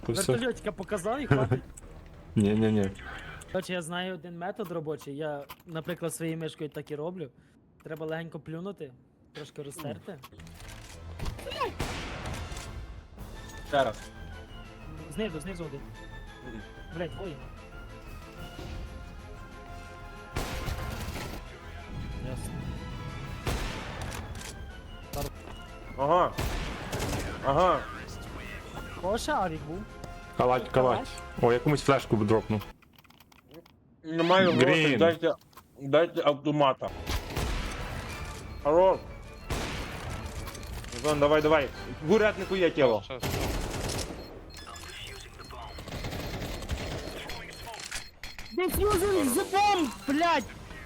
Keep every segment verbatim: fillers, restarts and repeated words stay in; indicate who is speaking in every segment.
Speaker 1: все.
Speaker 2: Вертольотика показав і хватить.
Speaker 1: Ні-ні-ні.
Speaker 2: Короче, я знаю один метод робочий. Я, наприклад, своєю мишкою так і роблю. Треба легенько плюнути, трошки розтерти.
Speaker 3: Ще раз.
Speaker 2: Знизу, знизу один. Блять, ой. Ясно.
Speaker 3: Ага. Ага.
Speaker 2: О, шарик був.
Speaker 1: Калать, калать. О, я комусь флешку б дропнув.
Speaker 3: Немає грошей,
Speaker 1: Грін.
Speaker 3: дайте, дайте автомата. Хорош. Зон, давай, давай. В уряднику є тіло.
Speaker 4: Щас.
Speaker 2: Дефьюзер з бомб, блять!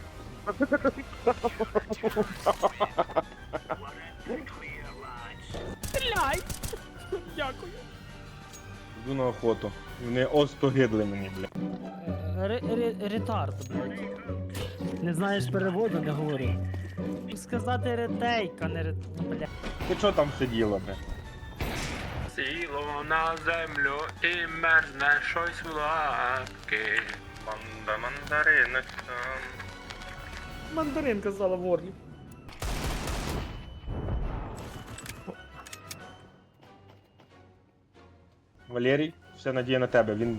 Speaker 2: Блять! Дякую.
Speaker 3: Йду на охоту. Вони остогидли мені, бля.
Speaker 2: Ретард, блять. Не знаєш переводу, не говори. Сказати ретейка, не рет... Блять.
Speaker 3: Ти чого там сиділа, бля?
Speaker 4: Сіло на землю і мерзне щось в лапки. Манда мандариночка.
Speaker 2: Мандарин казала в Орлі.
Speaker 3: Валерій, все надія на тебе. Він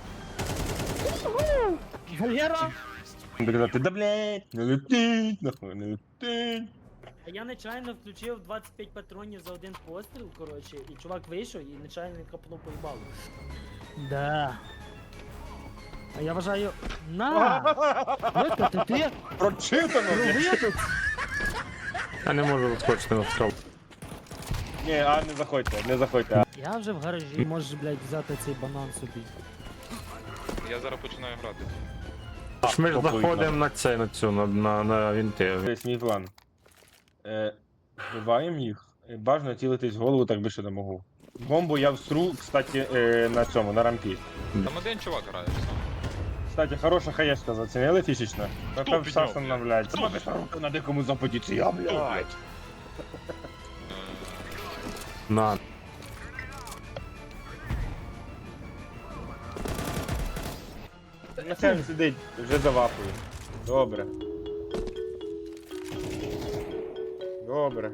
Speaker 2: Валера!
Speaker 3: буде казати, да блять, не летить, нахуй, не летить.
Speaker 2: А я нечайно включив двадцять п'ять патронів за один постріл, коротше, і чувак вийшов і нечайно капнув по їбалу. Да. А я вважаю... На! Викати ти!
Speaker 3: Прочитано, бля.
Speaker 2: Провидець!
Speaker 1: Я не можу розкочити на строл.
Speaker 3: Ні, а не заходьте, не заходьте. а.
Speaker 2: Я вже в гаражі, можеш, блядь, взяти цей банан собі.
Speaker 4: Я зараз починаю грати.
Speaker 1: Ж ми ж
Speaker 3: попливно.
Speaker 1: заходимо на це, на цю, на, на, на вінти.
Speaker 3: Ось мій план. Е, вбиваємо їх. Е, Бажано цілитись в голову, так більше не можу. Бомбу я всру, кстати, е, на цьому, на рампі.
Speaker 4: Там один чувак грає. все.
Speaker 3: Кстати, хороша хаєшка, зацінили фішечно?
Speaker 4: Хто
Speaker 3: Напев
Speaker 4: підняв,
Speaker 3: Саша
Speaker 4: блядь?
Speaker 3: нам, блядь. Сама без руки на дикому западі, це я, блядь.
Speaker 1: На.
Speaker 3: На цьому сидить, вже завапує. Добре. Добре.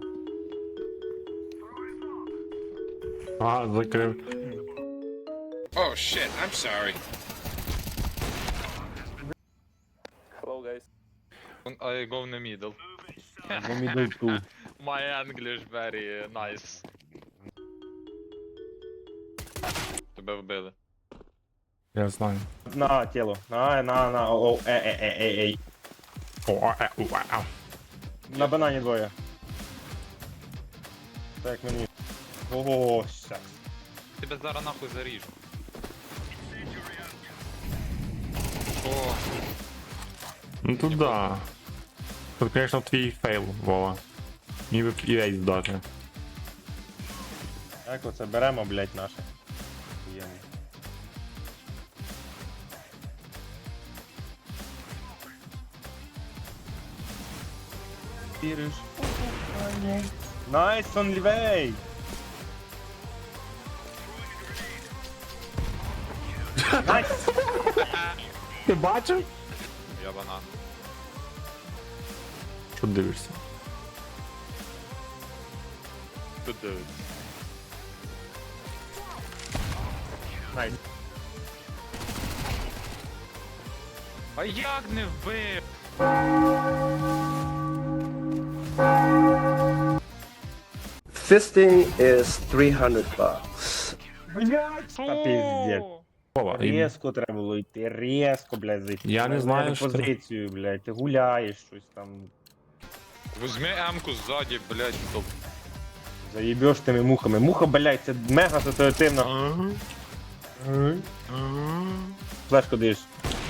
Speaker 1: А, закрив.
Speaker 5: Oh shit, I'm sorry.
Speaker 4: I go in the middle.
Speaker 3: Бо мідл ту.
Speaker 4: My English very nice. Тебе вбили.
Speaker 1: Я знаю.
Speaker 3: На тіло. На, на, на, о, о, е, е, е, е, ей.
Speaker 1: О, а, е, уа, а.
Speaker 3: На банані двоє. Так мені. Ого, щас.
Speaker 4: Тебе зараз нахуй заріжу. О,
Speaker 1: Ну тут да. Тут, конечно, твій фейл, Вова. Міг би і рейс дати.
Speaker 3: Так оце беремо, блядь, наше. Охуєнно. Віриш? Найс, он лівей! Найс!
Speaker 1: Ти бачив?
Speaker 4: я банан.
Speaker 1: Що дивишся?
Speaker 4: Тут дивиться.
Speaker 3: Найс.
Speaker 4: А як не вбив?
Speaker 6: Fisting is three hundred bucks.
Speaker 3: Та піздець.
Speaker 1: Вова, і-
Speaker 3: Резко треба було йти, резко, блядь, зайти.
Speaker 1: Я не
Speaker 3: На
Speaker 1: знаю,
Speaker 3: мене
Speaker 1: що-
Speaker 3: позицію, блядь, ти гуляєш щось там.
Speaker 4: Возьми М-ку ззаді, блядь, топ.
Speaker 3: Заїбеш тими мухами. Муха, блядь, це мега ситуативно. Флешку даєш.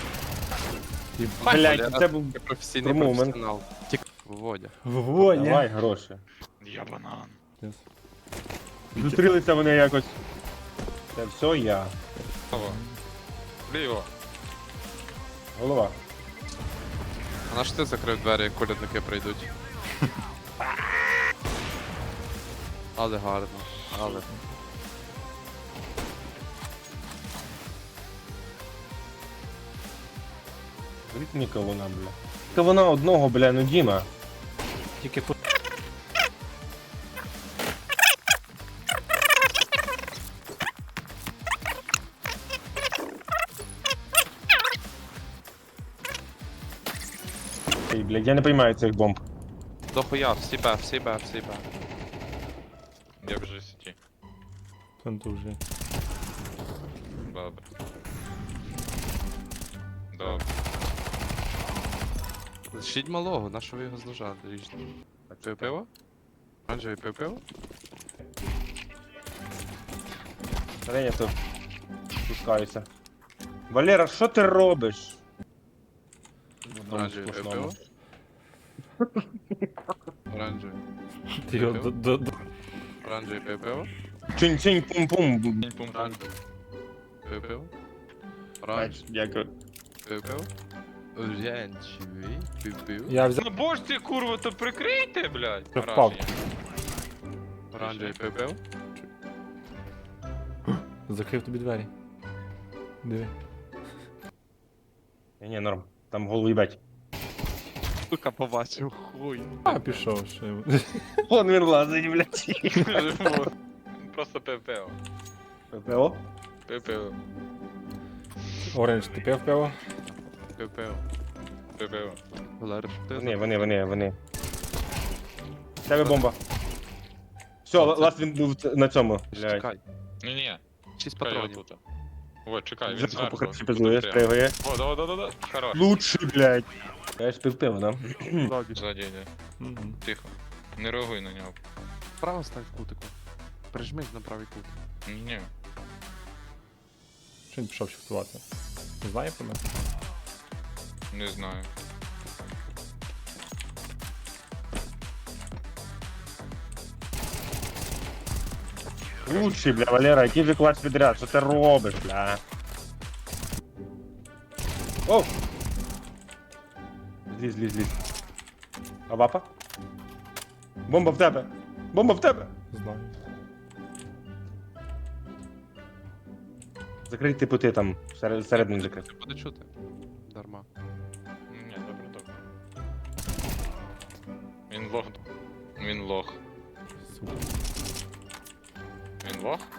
Speaker 3: Блядь, це був
Speaker 5: Я професійний
Speaker 3: Про момент.
Speaker 5: професіонал. Тік Володя.
Speaker 3: Вогонь. Давай гроші.
Speaker 4: Я банан.
Speaker 3: Зустрілися вони якось. Це все я.
Speaker 4: Право. Ліво.
Speaker 3: Голова.
Speaker 5: А на що ти закрив двері, як колядники прийдуть? Але гарно. Але.
Speaker 3: Звідки мені кавуна, бля? Кавуна одного, бля, ну Діма.
Speaker 1: Тільки тут.
Speaker 3: Ей, блядь, я не поймаю цих бомб.
Speaker 5: Дохуя, всі Б, всі Б, всі Б.
Speaker 4: Я вже сіті.
Speaker 1: Пленту вже.
Speaker 4: Добре. Добре.
Speaker 5: Лишіть малого, на що ви його зложали? Ріжте. Пив пиво? Оранжевий пив пиво?
Speaker 3: Зараз я тут спускаюся. Валера, що ти робиш? В одному
Speaker 5: Оранжевий пив
Speaker 3: сплошному.
Speaker 5: пиво? Оранжевий.
Speaker 1: Ти його до- до- до-
Speaker 5: Оранжевий пив пиво?
Speaker 3: Чинь-чинь пум-пум.
Speaker 4: Пум-пум.
Speaker 5: Оранжевий. Пив пиво?
Speaker 3: Бач,
Speaker 5: Оранжевий
Speaker 3: дякую.
Speaker 5: пив пиво? Оранжевий пив пиво?
Speaker 1: Я взяв.
Speaker 4: Ну божці, курва, то прикрийте, блядь.
Speaker 1: Вже впав.
Speaker 5: Оранжевий пив пиво?
Speaker 1: Закрив тобі двері. Диви.
Speaker 3: Ні, ні, норм. Там голову їбать.
Speaker 5: Сука, побачив, хуй.
Speaker 1: А, пішов ще.
Speaker 3: Вон він лазить, блядь.
Speaker 4: Просто пив пиво.
Speaker 3: ППО?
Speaker 4: Пив пиво.
Speaker 1: Оранж, ти пив пиво?
Speaker 5: Пив пиво.
Speaker 4: Пив пиво.
Speaker 5: Валериш, ти
Speaker 3: Вони, вони, вони, вони. В Тебе бомба. Все, ласт він був ц- на цьому. Блядь.
Speaker 5: Чекай,
Speaker 4: Ні-ні,
Speaker 5: шість
Speaker 4: чекай
Speaker 5: патронів.
Speaker 4: отут. О, чекай, він
Speaker 3: Вже
Speaker 4: зверху.
Speaker 3: покрити
Speaker 4: Тут
Speaker 3: пиздує,
Speaker 4: прямо.
Speaker 3: спригує.
Speaker 4: О, да, да, да, да. Хорош.
Speaker 3: Лучший, блядь. Я ж пив пиво, да?
Speaker 4: Ззаді йде.
Speaker 1: Мгм.
Speaker 4: Тихо. Не реагуй на нього.
Speaker 5: Право стань в кутику. Прижмись на правий кут.
Speaker 4: Ні.
Speaker 1: Що він пішов шифтувати? Не знає про мене?
Speaker 4: Не знаю.
Speaker 3: Лучший, бля, Валера, який же клач підряд, що ти робиш, бля? О! Зліз, зліз, зліз. А вапа? Бомба в тебе! Бомба в тебе!
Speaker 1: Знаю.
Speaker 3: Закрий типу ти там, всеред- всередину закрив.
Speaker 5: Ти буде чути. Дарма.
Speaker 4: Ні, добре, добре. Він лох. Він лох.
Speaker 1: Сука.
Speaker 4: Він лох?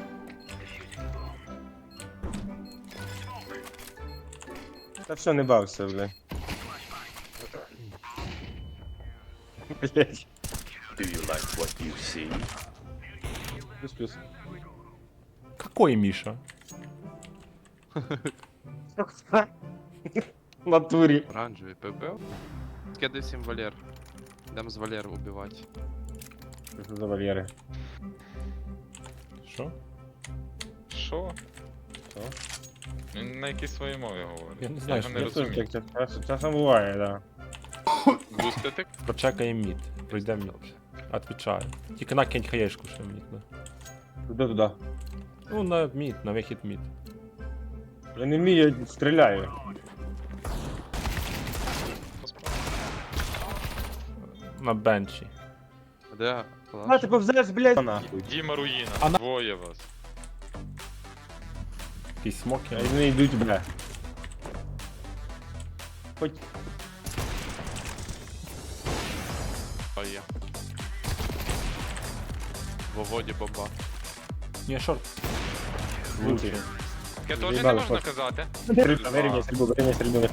Speaker 3: Та все, не бався, бля. Блять. Плюс-плюс.
Speaker 1: Какой Міша?
Speaker 3: В натурі.
Speaker 5: Оранжевий пив пиво? Скидай всім Валер. Йдемо з Валер убивати.
Speaker 3: Що за Валери?
Speaker 1: Що?
Speaker 4: Що?
Speaker 3: Що?
Speaker 4: Він на якійсь своїй мові говорить.
Speaker 1: Я не знаю,
Speaker 4: його
Speaker 1: що
Speaker 4: не
Speaker 3: Я теж
Speaker 4: розумію.
Speaker 3: так час- часом буває, да.
Speaker 4: Бустити?
Speaker 1: Прочекаємо мід. Пройдемо мід. Отвічаю. Тільки накинь хаєшку ще в мід. Да.
Speaker 3: Туди туди.
Speaker 1: Ну, на мід, на вихід мід.
Speaker 3: Я не вмію, я стріляю.
Speaker 1: На бенчі.
Speaker 5: Де?
Speaker 3: А,
Speaker 5: Палаш?
Speaker 3: ти повзеш, блядь, нахуй.
Speaker 4: Діма Руїна.
Speaker 1: А на-
Speaker 4: Двоє вас.
Speaker 1: Якісь смоки.
Speaker 3: А вони йдуть, бля. Хоч
Speaker 5: А є. Во воді бомба.
Speaker 1: Ні, шорт.
Speaker 3: лучший.
Speaker 4: Таке теж не
Speaker 3: Заїбали,
Speaker 4: можна
Speaker 3: хлопці.
Speaker 4: казати.
Speaker 3: Вирівняй стрільбу, вирівняй стрільбу.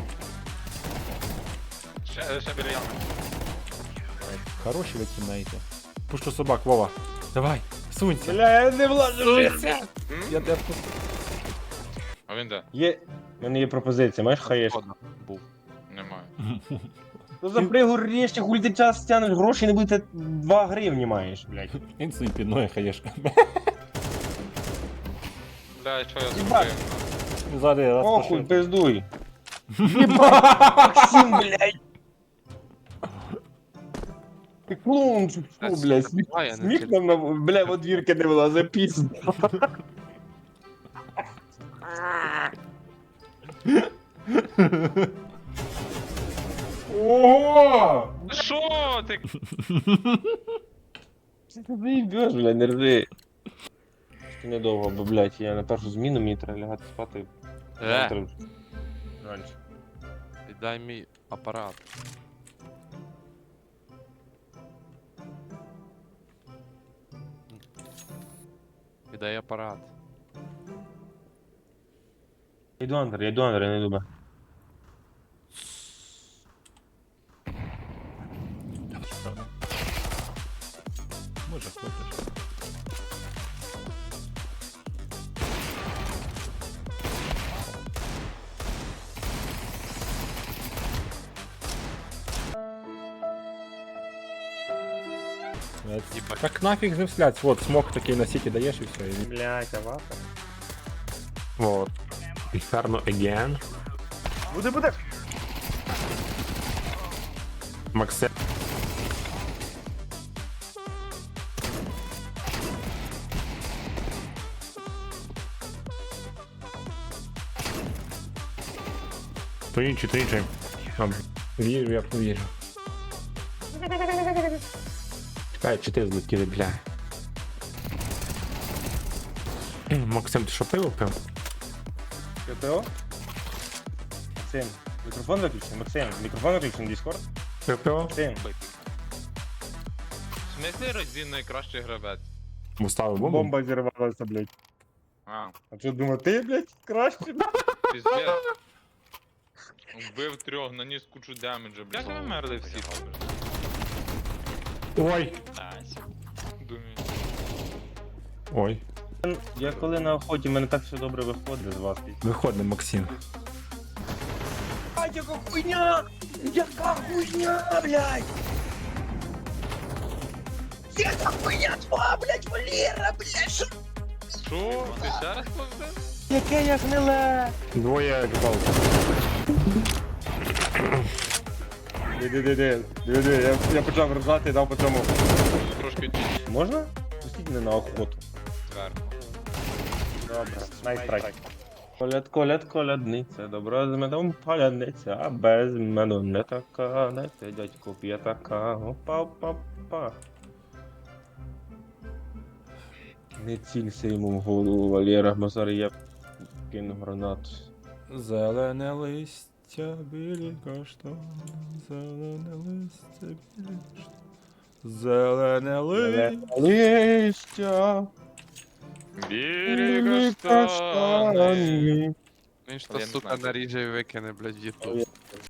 Speaker 4: Ще, ще біля ями.
Speaker 1: Хороші ви тімейти. Пушу собак, Вова. Давай, сунься.
Speaker 3: Бля, я не влажу.
Speaker 4: М?
Speaker 1: Я тебе тут.
Speaker 4: А він де?
Speaker 3: Є... У мене є пропозиція, маєш хаєш?
Speaker 5: Ладно, був.
Speaker 4: Немає.
Speaker 3: Ну за пригор рєшся, хуль ти час тянеш, гроші не буде, два гривні маєш, блядь.
Speaker 1: Він собі підною хаєшка.
Speaker 4: Бля, що я
Speaker 3: Їбать.
Speaker 4: зробив?
Speaker 1: Ззади раз
Speaker 3: Охуй,
Speaker 1: пошив.
Speaker 3: пиздуй. Єбать, Максим, блядь. Ти клоун, чи
Speaker 5: Та
Speaker 3: що, блядь,
Speaker 5: сука,
Speaker 3: сміх,
Speaker 5: давай, я не
Speaker 3: сміх
Speaker 5: тільки-
Speaker 3: нам, на- бля, в одвірки не була, запізно. Ого!
Speaker 4: Що ти?
Speaker 3: Що ти заїбеш, блядь, не ржи. Ще недовго, бо, блядь, я на першу зміну, мені треба лягати спати.
Speaker 5: Е,
Speaker 3: Завтра раніше.
Speaker 5: Віддай мій апарат. Віддай апарат.
Speaker 3: Я йду андер, я йду андер, я не йду Б.
Speaker 1: Може, хлопець.
Speaker 5: Їбать.
Speaker 7: Так нафиг же вслять, вот смог такие на сити даешь и все. И...
Speaker 3: Блять, аватар.
Speaker 1: Вот. Inferno again.
Speaker 3: Буде, буде!
Speaker 1: Максе. То інший, то інший. А,
Speaker 7: Вижу, я вижу.
Speaker 1: чекай, чи ти злетіли, бля. Ей, Максим, ти що пиво пив?
Speaker 3: КТО? Максим, мікрофон виключений? Максим, мікрофон виключений, Discord?
Speaker 1: Пив пиво?
Speaker 3: Максим,
Speaker 4: В смислі Розін найкращий гравець?
Speaker 1: Уставив бомбу?
Speaker 3: бомба зірвалася, блядь.
Speaker 4: А,
Speaker 3: А що, думав, ти, блядь, краще?
Speaker 4: піздець. Вбив трьох, наніс кучу демеджа, блядь. Як ви мерли всі?
Speaker 1: Ой!
Speaker 4: Думаю.
Speaker 1: Ой.
Speaker 3: Я коли на охоті, в мене так все добре виходить з вас.
Speaker 1: Виходимо, Максим.
Speaker 3: А, яка хуйня! Яка хуйня, блядь! Яка хуйня твоя, блядь, Валера, блядь! Що?
Speaker 4: Що? Ти ще раз повзив?
Speaker 3: Яке я гниле!
Speaker 1: Двоє гвалт.
Speaker 3: Диди-диди, диди, я, я почав ржати і дав по цьому.
Speaker 4: Трошки тіні
Speaker 3: Можна? Пустіть мене на охоту.
Speaker 4: зверху.
Speaker 3: Добре, найстрайк. Коляд, коляд, колядниця, добра з медом паляниця, а без меду не така, дайте дядьку п'ятака, опа, опа, опа. Не цілься йому в голову, Валера, бо зараз я кину гранату.
Speaker 7: Зелене листя, білі каштан, зелене листя, білі каштан. Зелене листя.
Speaker 3: Листя,
Speaker 4: Бірі каштани.
Speaker 5: Він ж
Speaker 4: Але
Speaker 5: то,
Speaker 4: я не
Speaker 5: сука,
Speaker 4: знаю.
Speaker 5: наріже і викине, блядь, в ютуб.